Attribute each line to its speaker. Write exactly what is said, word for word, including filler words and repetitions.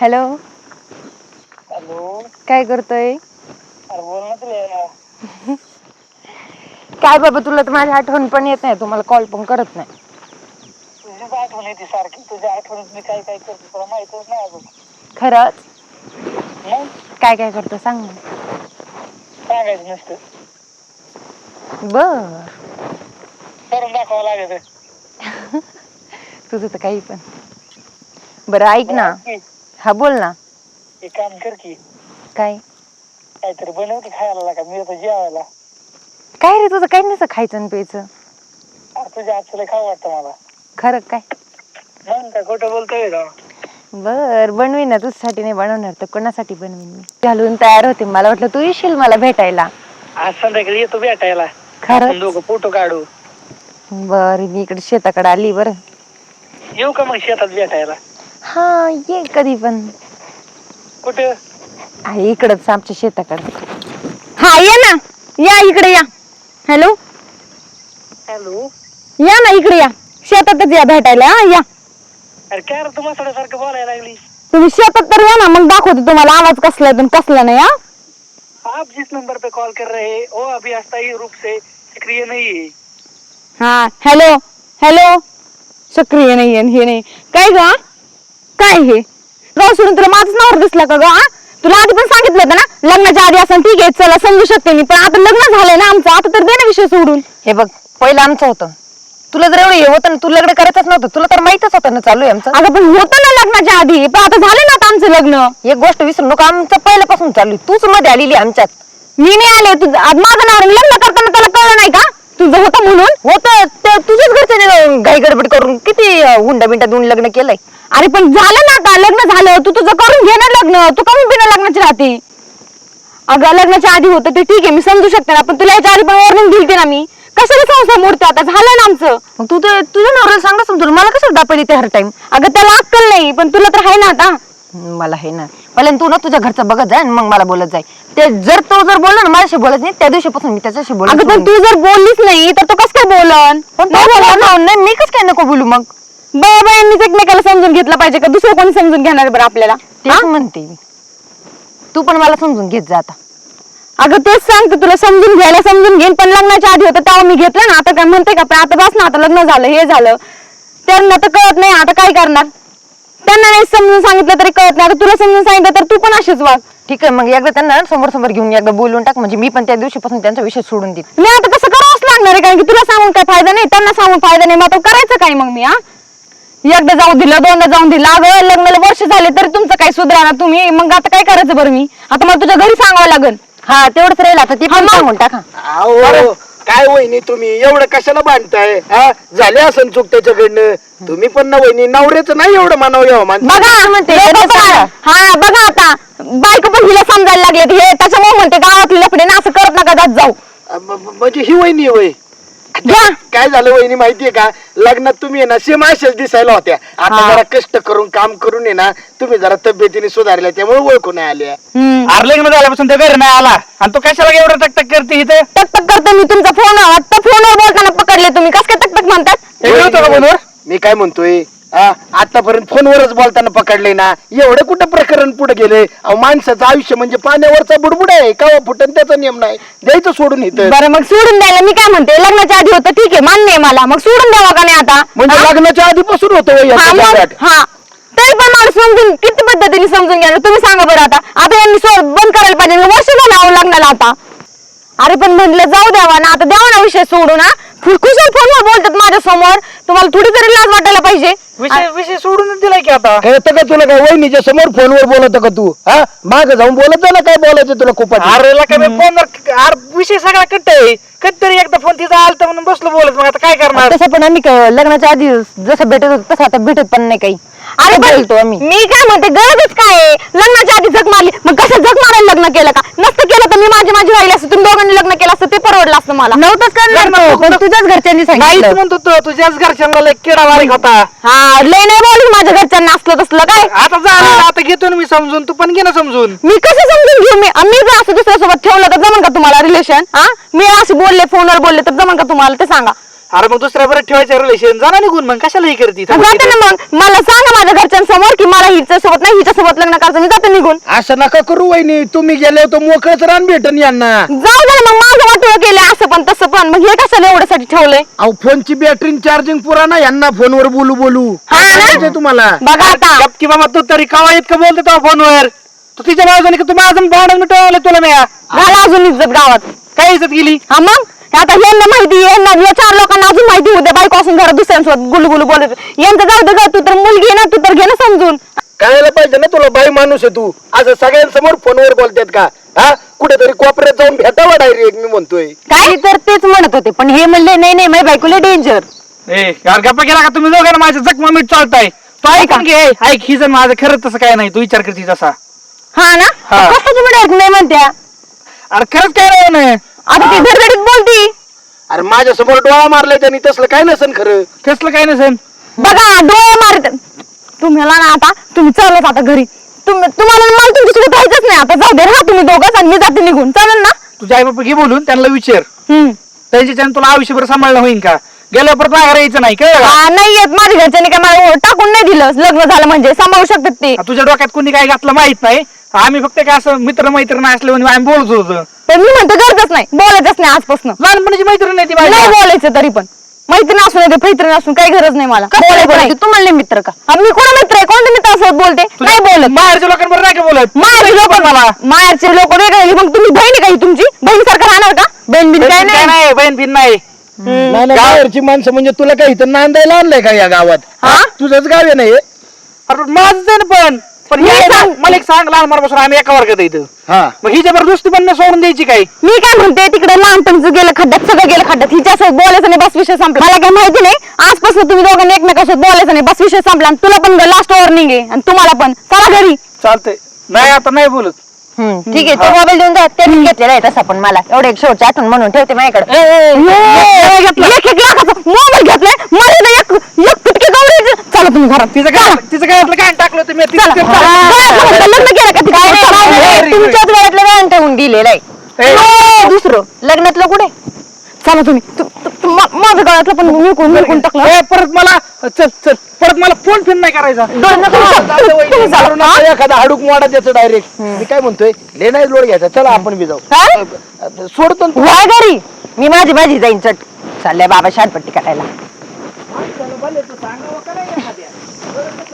Speaker 1: Hello.
Speaker 2: Hello.
Speaker 1: काय करतोय?
Speaker 2: अरे बोल ना तुला.
Speaker 1: काय बाबा, तुला तर माझी आठवण पण येत नाही, तुम्हाला कॉल पण करत नाही.
Speaker 2: तुझीच आठवण येते सारखी. तुझ्या आठवणीत मी काय काय करतो तुला माहितच नाही अजून.
Speaker 1: खरंच?
Speaker 2: मग
Speaker 1: काय काय करतो सांग ना.
Speaker 2: सांगायचं नसतं,
Speaker 1: बर.
Speaker 2: करून दाखवावं लागेल.
Speaker 1: तुझं तर काही पण. बरं ऐक ना.
Speaker 2: की
Speaker 1: हा बोल ना.
Speaker 2: एक काम कर की
Speaker 1: काय?
Speaker 2: काहीतरी बनव की खायला लागा, मी येतो जेवायला.
Speaker 1: काय रे, तुझं काही नसतं खायचं आणि प्यायचं.
Speaker 2: अरे तुझ्या हातचं लय खावं वाटतं मला.
Speaker 1: खरं काय?
Speaker 2: मग काय खोटं बोलतोय का?
Speaker 1: बर बनवी ना, तुझ्यासाठी नाही बनवणार तर कोणासाठी बनवीन मी. घालून तयार होते, मला वाटलं तू येशील मला भेटायला.
Speaker 2: आज संध्याकाळी येतो भेटायला.
Speaker 1: खरंच?
Speaker 2: आपण दोघं फोटो काढू.
Speaker 1: बर, मी इकडे शेताकडे आली. बरं
Speaker 2: येऊ का मग शेतात भेटायला?
Speaker 1: हा ये कधी पण.
Speaker 2: कुठं?
Speaker 1: आहे इकडच आमच्या शेताकडे. हा ये ना, या इकडे या. हॅलो.
Speaker 2: हॅलो.
Speaker 1: या ना इकडे या, शेतातच या भेटायला. हा या.
Speaker 2: अरे काय रे, तू मसाल्यासारखं बोलायला लागली.
Speaker 1: तुम्ही शेतात तर या ना, मग दाखवते तुम्हाला आवाज कसला आहे कसला नाही. हा
Speaker 2: आप जिस नंबर पे कॉल कर रहे हैं वो अभी अस्थायी रूप से सक्रिय नहीं है.
Speaker 1: हा हॅलो हॅलो. सक्रिय नाही आहे हे नाही काय ग? काय हे गाव सोडून तुला माझंच नावर दिसला का ग? हा तुला आधी पण सांगितलं होतं ना, लग्नाच्या आधी असं ठीक आहे चला समजू शकते मी, पण आता लग्न झालंय ना आमचं, आता तर दे ना विषय सोडून. हे बघ, पहिलं आमचं होतं, तुला जर एवढं हे होतं ना, तुला लग्न करायचंच नव्हतं, तुला तर माहितच होतं ना चालू आहे आमचं. अगं पण होतं ना लग्नाच्या आधी, पण आता झालं ना आता आमचं लग्न. एक गोष्ट विसरू नको, आमचं पहिल्यापासून चालू आहे, तूच मध्ये आलेली आमच्यात. मी नाही आले, तुझं माझं नाव लग्न करताना त्याला कळलं नाही का तुझं होतं म्हणून? होतं, तुझ्याच घरच्याने घाई गडबड करून किती हुंडा बिंडा देऊन लग्न केलंय. अरे पण झालं ना आता लग्न झालं, तू तुझं करून घे ना लग्न, तू कमी बिना लग्नाची राहते. अगं लग्नाच्या आधी होतं ते ठीक आहे, मी समजू शकते ना, पण तुला याच्या आधी पण वॉर्निंग दिली ना मी. कशाला संसार मोडते, आता झालं ना आमचं. मग तू तर तुझ्या नवऱ्याला सांगा समजून, मला कशाला दापली ते हर टाइम. अगं त्याला अक्कल नाही, पण तुला तर आहे ना आता. मला आहे ना, पहिल्यांदा तू ना तुझ्या घरचं बघत जाय, मग मला बोलत जाय. ते जर तो जर बोलला ना माझ्याशी बोलत नाही, त्या दिवशीपासून मी त्याच्याशी बोलत. अगं पण तू जर बोललीच नाही तर तो कसं काय बोलन? पण नाही, मी कसं काय नको बोलू मग? बाया बायांनीच एकमेकाला समजून घेतलं पाहिजे का दुसरं कोणी समजून घेणार बरं आपल्याला? तेच म्हणते मी, तू पण मला समजून घेत जा आता. अगं तेच सांगते तुला, समजून घ्यायला समजून घेईन, पण लग्नाच्या आधी होतं तेव्हा मी घेतलं ना, आता काय म्हणते का? पण आता बस ना, आता लग्न झालं हे झालं, त्यांना तर कळत नाही, आता काय करणार? त्यांना नाही समजून सांगितलं तरी कळत नाही, आता तुला समजून सांगितलं तर तू पण अशीच वाग. ठीक आहे, मग एकदा त्यांना समोर समोर घेऊन एकदा बोलून टाक, म्हणजे मी पण त्या दिवशीपासून त्यांचा विषय सोडून देईन. नाही आता तसं करावंच लागणार आहे, कारण की तुला सांगून काय फायदा नाही, त्यांना सांगून फायदा नाही, मग आता करायचं काय मग मी? हा एकदा जाऊ दिलं, दोनदा जाऊन दिलं, अगं लग्नाला वर्ष झाले तरी तुमचं काय सुधारणा तुम्ही, मग आता काय करायचं बरं मी? आता मला तुझ्या घरी सांगावं लागेल. हा तेवढंच राहील आता, ते पण सांगून टाका.
Speaker 3: अहो काय वहिनी तुम्ही एवढं कशाला बांधताय? हा झाले असं चूक त्याच्याकडनं, तुम्ही पण ना वहिनी नवऱ्याचं नाही एवढं मानव यावं मान.
Speaker 1: बघा म्हणते हा बघा आता बायको पण हिला समजायला लागले, हे त्याच्यामुळे म्हणते गावातले लफडे ना असं करत नका जात जाऊ.
Speaker 3: म्हणजे ही वहिनी वय काय झालं वहिनी माहितीये का, लग्नात तुम्ही ना सेम अशाच दिसायला होत्या, आता जरा कष्ट करून काम करून ये ना तुम्ही जरा तब्येतीने सुधारल्या, त्यामुळे ओळखून नाही आल्या.
Speaker 2: अरे लग्न झाल्यापासून ते घरी नाही आला आणि तू कशाला एवढं टकटक करते इथे?
Speaker 1: टकटक करतो मी तुमचा फोन, आता फोनवर बोलताना पकडले तुम्ही, कस काय टकटक म्हणतात?
Speaker 2: फोनवर
Speaker 3: मी काय म्हणतोय, आतापर्यंत फोनवरच बोलताना पकडले ना, एवढं कुठं प्रकरण पुढे गेले? माणसाचं आयुष्य म्हणजे पाण्यावरचा बुडबुड आहे, का फुटन त्याचा नियम नाही, द्यायचं सोडून इथं.
Speaker 1: बरं मग सोडून द्यायला मी काय म्हणते, लग्नाच्या आधी होतं ठीक आहे, मान्य आहे मला, मग सोडून द्यावा का नाही आता?
Speaker 3: म्हणजे लग्नाच्या आधीपासून होतं
Speaker 1: हा तरी पण मला समजून किती पद्धतीने समजून घ्या तुम्ही सांगा बरं. आता आता यांनी बंद करायला पाहिजे, वर्ष झालं लग्नाला आता. अरे पण म्हटलं जाऊ द्यावा ना, आता द्यावा ना विषय सोडू ना, कुशल फोनवर बोलतात माझ्या समोर, तुम्हाला थोडी तरी लाज वाटायला पाहिजे.
Speaker 2: विषय विषय सोडूनच दिलाय की आता.
Speaker 3: कळतं का तुला? काय वहिनीच्या समोर फोनवर बोलत का तू? हा माग जाऊन बोलत जा ना, काय बोलायचं तुला खूप.
Speaker 2: अरे का मी फोनवर विषय सगळा कट आहे, कधीतरी एकदा फोन तिचा आलता म्हणून बसलो बोलत, मग आता काय करणार?
Speaker 1: तसं पण आम्ही लग्नाच्या आधी जसं भेटत होतो तसं आता भेटत पण नाही काही. अरे बोलतो आम्ही, मी काय म्हणते गरजच काय आहे? लग्नाच्या आधी झक मारली, मग कसं झक मारायला लग्न केलं का? नसतं केलं तर मी माझी माझी राहिली असतं, तुम्ही दोघांनी लग्न केलं असतं ते परवडलं असतं मला. नव्हतंच करणार, पण तुझ्याच घरच्यांनी सांगितलं.
Speaker 2: म्हणतो तो तुझ्याच घरच्यांना लय किडा वारीक होता.
Speaker 1: हा लय नाही बोलू माझ्या घरच्यांना असलं तसलं काय.
Speaker 2: आता झालं, आता घेतो ना मी समजून, तू पण घे ना समजून.
Speaker 1: मी कसं समजून घेऊ? मी मी जर असं दुसऱ्यासोबत ठेवलं तर जमन का तुम्हाला रिलेशन? हा मी असे बोलले फोनवर बोलले तर जमन का तुम्हाला ते सांगा?
Speaker 2: अरे मग दुसऱ्या बरं ठेवायचं रिलेशन जाणार निघून मग कशाला हे करते
Speaker 1: जाते ना मग मला सांगा माझ्या घरच्यांसमोर की मला हिच्या सोबत नाही हिच्या सोबत लग्न करायचं मी जाते निघून.
Speaker 3: असं नका करू वहिनी, तुम्ही गेले तर मोकळच रान भेटन यांना.
Speaker 1: जाऊ दे ना मग माझं वाटलं केलं असं पण तसं पण मग हे कशाला एवढ्यासाठी ठेवलंय.
Speaker 3: अहो फोनची बॅटरी चार्जिंग पुरा ना, यांना फोनवर बोलू बोलू
Speaker 1: हा ना?
Speaker 3: सांगायचंय तुम्हाला.
Speaker 1: बघा आता
Speaker 2: की बाबा तू तरी कावा इतकं बोलतो तो फोनवर, तू तिच्या बाजूने की तू माझं भांडण मिटवलं तुला मी
Speaker 1: झाला अजून इज्जत गावात.
Speaker 2: काय इज्जत गेली.
Speaker 1: हा मग आता यांना माहिती यांना या चार लोकांना अजून माहिती होते बायको असून घरात दुसऱ्यांसोबत गुलू गुलू बोलत यांचं जाऊ दे ग, तू तर मुलगी आहे ना तू तर घे ना समजून.
Speaker 3: कळायला पाहिजे ना तुला, बाई माणूस आहे तू, असं सगळ्यांसमोर फोनवर बोलतात का? हा कुठेतरी कोपऱ्यात जाऊन भेटावा डायरेक्ट, मी म्हणतोय.
Speaker 1: काय तर तेच म्हणत होते पण हे म्हणले नाही नाही माझ्या बायकोला डेंजर.
Speaker 2: ए यार गप्पा केला का तुम्ही दोघांना माझ्या जखमा मीठ चालताय. तो ऐकून घे, ऐक ही जर माझं खरंच तसं काय नाही, तू विचार करते तसा.
Speaker 1: हा ना
Speaker 2: हा.
Speaker 1: कसं तुम्ही डायरेक्ट नाही म्हणत्या.
Speaker 2: अरे खरंच काय नाही म्हणे.
Speaker 1: आता ती धडधडीत बोलती.
Speaker 3: अरे माझ्या समोर डोळा मारलाय त्यांनी, तसलं काय नसन खरं.
Speaker 2: कसलं काय नसेल.
Speaker 1: बघा डोळे मारत तुम्हाला ना आता तुम्ही चालत आता घरी तुम्ही तुम्हाला मला तुमच्यासोबत राहायचंच नाही आता. जाऊ दे राहा तुम्ही दोघंच आणि मी जाते निघून, चालेल ना.
Speaker 2: तुझ्या आई बापा घे बोलून त्यांना विचार,
Speaker 1: हम्म
Speaker 2: त्यांच्याच्यानं तुला आयुष्यभर सांभाळणं होईल का? गेल्या परत माघार यायचं नाही कळलं का?
Speaker 1: हा, नाही येत माझ्या घरच्यांनी काय मला टाकून नाही दिलं. लग्न झालं म्हणजे सांभाळू शकतात ते.
Speaker 2: आ, तुझ्या डोक्यात कोणी काय घातलं माहित नाही. आम्ही फक्त काय असं मित्र मैत्रीण असले म्हणून आम्ही बोलत होतो.
Speaker 1: पण मी म्हणतो गरजच नाही बोलायचंच नाही आजपासून.
Speaker 2: लहानपणाची मैत्रीण नाही ती
Speaker 1: नाही
Speaker 2: माझी.
Speaker 1: बोलायचं तरी पण मैत्रीण असून नाही मैत्रीण असून काही गरज नाही मला बोलायचं नाही. तुम्हाला नाही मित्र का? हा, मी कोण मित्र आहे? कोणते मित्र असं बोलते नाही बोलत.
Speaker 2: बाहेरच्या लोकांबरोबर नाही का बोलत.
Speaker 1: माहेरचे लोक
Speaker 2: मला
Speaker 1: माहेरचे लोक वेगळे. मग तुम्ही बहिणी काही तुमची बहीण सारखं राहणार का? बहीण बिन काय
Speaker 2: काय
Speaker 1: नाही.
Speaker 2: नाही, बहीण बिन नाही.
Speaker 3: नाही नाही, बाहेरची माणसं म्हणजे तुला काही इथं नांदायला आणलंय का या गावात?
Speaker 1: हा?
Speaker 3: तुझंच गाव आहे ना हे?
Speaker 2: अरे माझंच आहे ना पण पण
Speaker 1: मी
Speaker 2: हे
Speaker 1: सांग-
Speaker 2: मला एक सांग, लहानपणापासून आम्ही एका वर्गात आहे इथं.
Speaker 3: हा
Speaker 2: मग ही जबरदस्ती पण नाही सोडून द्यायची काय?
Speaker 1: मी काय म्हणते तिकडे लहानपणचं गेलं खड्ड्यात सगळं गेलं खड्ड्यात हिच्यासोबत बोलायचं नाही बस विषय संपला. मला काय माहिती नाही आजपासून तुम्ही दोघांनी एकमेकांसोबत बोलायचं नाही बस विषय संपला. आणि तुला पण लास्ट वॉर्निंग आहे आणि तुम्हाला पण चला घरी.
Speaker 2: चालतंय. नाही आता नाही बोलत.
Speaker 1: ठीक आहे तो मोबाईल देऊन द्या ते मी घेतलेला आहे तसा पण मला एवढे एक शेवटची आठवण म्हणून ठेवते माझ्याकडे. एक एक लाखाचा मोबाईल घेतलाय मला एक एक पिटके गवळी. चला तुम्ही घरात.
Speaker 2: तिचं काय तिचं काय आपलं काय टाकलं तुम्ही तिचं
Speaker 1: चला.
Speaker 2: ते-
Speaker 1: हा, लग्न केलं का तिकडे? तुमच्याच वेळातलं व्यान ठेवून दिलेलं आहे.
Speaker 2: ए.
Speaker 1: हो, दुसरं लग्नातलं कुठे? चला तुम्ही तु- तु- तु- मा- माझं गळ्यातलं पण विकून विकून टाकलं.
Speaker 2: ए, परत मला चल चल परत मला फोन फिन नाही करायचा.
Speaker 1: डोळे नका लावू. तुम्ही चला.
Speaker 3: मारून
Speaker 1: हा?
Speaker 3: आता एखादा हाडूक मोडा त्याचं डायरेक्ट. मी काय म्हणतोय, ले नाही लोड घ्यायचा, चला आपण बी जाऊ.
Speaker 1: काय?
Speaker 3: सोडतो ना तू.
Speaker 1: वय घरी मी माझी माझी जाईन चट. चाललंय बाबा शानपट्टी काढायला.
Speaker 2: सांगावं का नाही एखाद्या?